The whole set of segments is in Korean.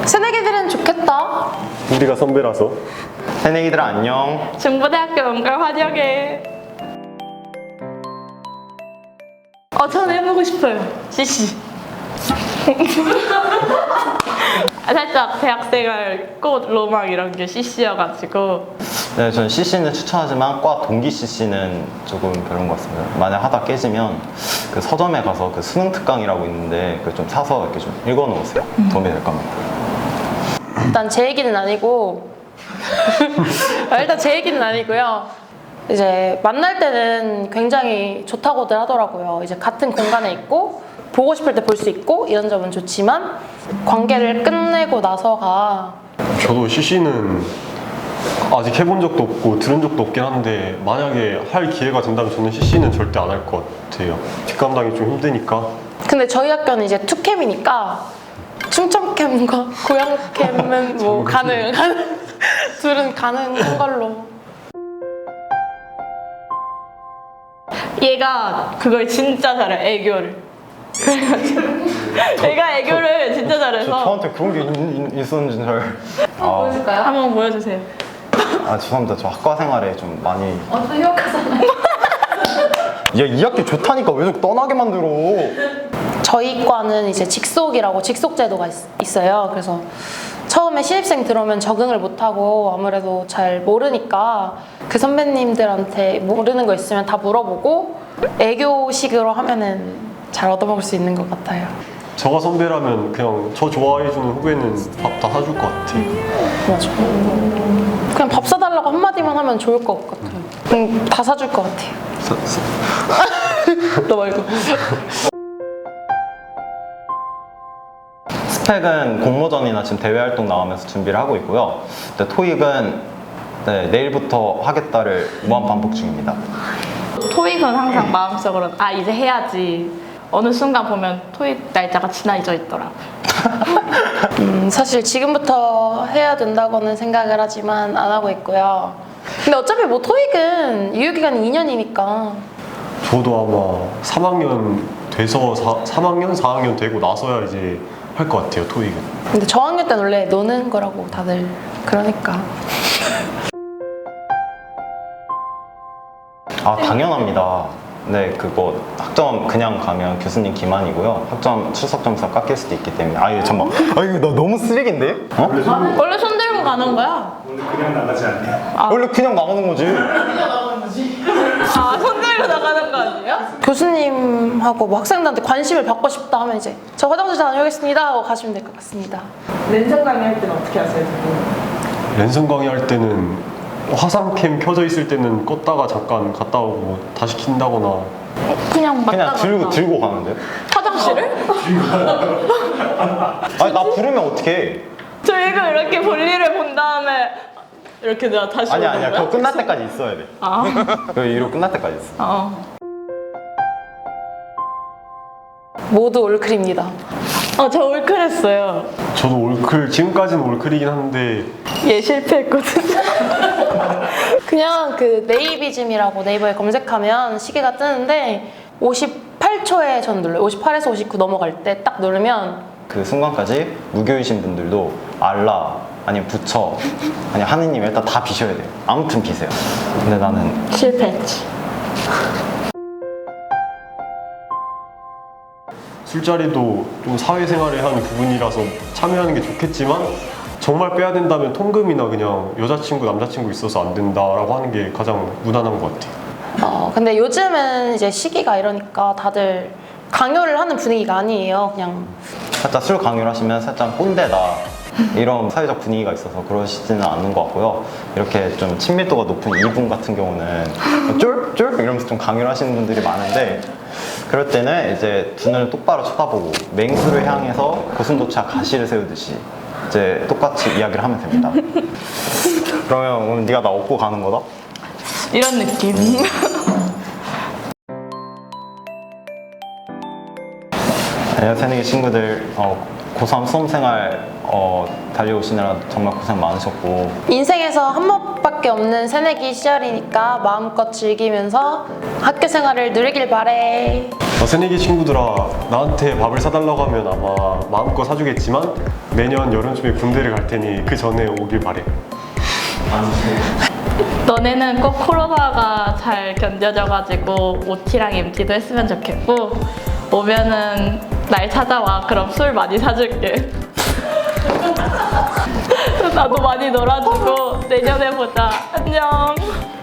새내기들은 좋겠다. 우리가 선배라서. 새내기들 안녕. 중부대학교 온걸 환영해. 저는 해보고 싶어요. CC. 살짝 대학생활 꽃 로망 이런 게 CC여가지고. 네, 저는 CC는 추천하지만 과 동기 CC는 조금 별론 것 같습니다. 만약 하다 깨지면 그 서점에 가서 그 수능 특강이라고 있는데 그걸 좀 사서 이렇게 좀 읽어 놓으세요. 도움이 될 겁니다. 일단 제 얘기는 아니고 일단 제 얘기는 아니고요. 이제 만날 때는 굉장히 좋다고들 하더라고요. 이제 같은 공간에 있고 보고 싶을 때 볼 수 있고 이런 점은 좋지만 관계를 끝내고 나서가 저도 CC는 아직 해본 적도 없고 들은 적도 없긴 한데 만약에 할 기회가 된다면 저는 CC는 절대 안 할 것 같아요. 뒷감당이 좀 힘드니까. 근데 저희 학교는 이제 투캠이니까 충청캠과 고양캠은 뭐 가능 둘은 가능한 걸로. 얘가 그걸 진짜 잘해, 애교를. 그래가지고 얘가 애교를 진짜 잘해서. 저한테 그런 게 있었는지 잘. 보여줄까요? 한번 보여주세요. 죄송합니다. 저 학과 생활에 좀 많이. 또 휴학하잖아요. 야, 이 학교 좋다니까 왜 자꾸 떠나게 만들어? 저희 과는 이제 직속이라고 직속 제도가 있어요. 그래서 처음에 신입생 들어오면 적응을 못하고 아무래도 잘 모르니까 그 선배님들한테 모르는 거 있으면 다 물어보고 애교식으로 하면은 잘 얻어먹을 수 있는 것 같아요. 저가 선배라면 그냥 저 좋아해주는 후배는 밥 다 사줄 것 같아요. 맞아. 그냥 밥 사달라고 한마디만 하면 좋을 것 같아요. 다 사줄 것 같아요. 너 말고. 스펙은 공모전이나 지금 대외 활동 나가면서 준비를 하고 있고요. 근데 토익은 내일부터 하겠다를 무한 반복 중입니다. 토익은 항상 마음속으로 이제 해야지. 어느 순간 보면 토익 날짜가 지나져 있더라. 사실 지금부터 해야 된다고는 생각을 하지만 안 하고 있고요. 근데 어차피 뭐 토익은 유효기간이 2년이니까 저도 아마 3학년 돼서 3학년, 4학년 되고 나서야 이제 할 것 같아요, 토익은. 근데 저학년 때는 원래 노는 거라고 다들 그러니까. 당연합니다. 네, 그거 학점 그냥 가면 교수님 기만이고요. 학점 출석 점수가 깎일 수도 있기 때문에. 잠깐만. 이거 나 너무 쓰레기인데? 원래 손 들고 가는 거야. 오늘 그냥 나가지 않냐? 원래 그냥 나가는 거지. 손 들고 나가는 거 아니에요? 교수님하고 뭐 학생들한테 관심을 받고 싶다 하면 이제 저 화장실 다녀오겠습니다 하고 가시면 될 것 같습니다. 랜선 강의할 때는 어떻게 하세요? 랜선 강의할 때는 화상캠 켜져 있을 때는 껐다가 잠깐 갔다 오고 다시 킨다거나. 그냥 맞다 들고 가는데? 화장실을? 나 부르면 어떡해? 저희가 이렇게 볼일을 본 다음에 이렇게 내가 다시 오는 아니야. 거야? 그거 끝날 때까지 있어야 돼. 그 이로 끝날 때까지 있어. 모두 올클입니다. 저 올클했어요. 저도 올클, 지금까지는 올클이긴 한데 얘 실패했거든요. 그냥 그 네이비즘이라고 네이버에 검색하면 시계가 뜨는데 58초에 전 눌러요. 58에서 59 넘어갈 때 딱 누르면 그 순간까지 무교이신 분들도 알라 아니면 부처 아니면 하느님 일단 다 비셔야 돼요. 아무튼 비세요. 근데 나는 실패했지. 술자리도 좀 사회생활의 한 부분이라서 참여하는 게 좋겠지만 정말 빼야 된다면 통금이나 그냥 여자친구, 남자친구 있어서 안 된다라고 하는 게 가장 무난한 것 같아요. 근데 요즘은 이제 시기가 이러니까 다들 강요를 하는 분위기가 아니에요. 그냥 살짝 술 강요를 하시면 살짝 꼰대다 이런 사회적 분위기가 있어서 그러시지는 않는 것 같고요. 이렇게 좀 친밀도가 높은 이분 같은 경우는 쫄쫄 이러면서 좀 강요를 하시는 분들이 많은데 그럴 때는 이제 두 눈을 똑바로 쳐다보고 맹수를 향해서 고슴도치와 가시를 세우듯이 이제 똑같이 이야기를 하면 됩니다. 그러면 오늘 네가 나 업고 가는 거다? 이런 느낌. 네, 새내기 친구들 고3 수험생활 달려오시느라 정말 고생 많으셨고 인생에서 한 번밖에 수밖에 없는 새내기 시절이니까 마음껏 즐기면서 학교 생활을 누리길 바래. 새내기 친구들아, 나한테 밥을 사달라고 하면 아마 마음껏 사주겠지만 내년 여름쯤에 군대를 갈 테니 그 전에 오길 바래. 너네는 꼭 코로나가 잘 견뎌져가지고 OT랑 MT도 했으면 좋겠고 오면은 날 찾아와. 그럼 술 많이 사줄게. 나도 많이 놀아주고 내년에 보자. 안녕.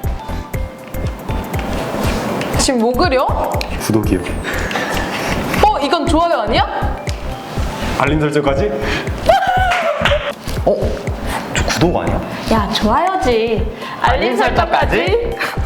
지금 뭐 그려? 구독이요. 이건 좋아요 아니야? 알림 설정까지? 저 구독 아니야? 야, 좋아요지. 알림 설정까지.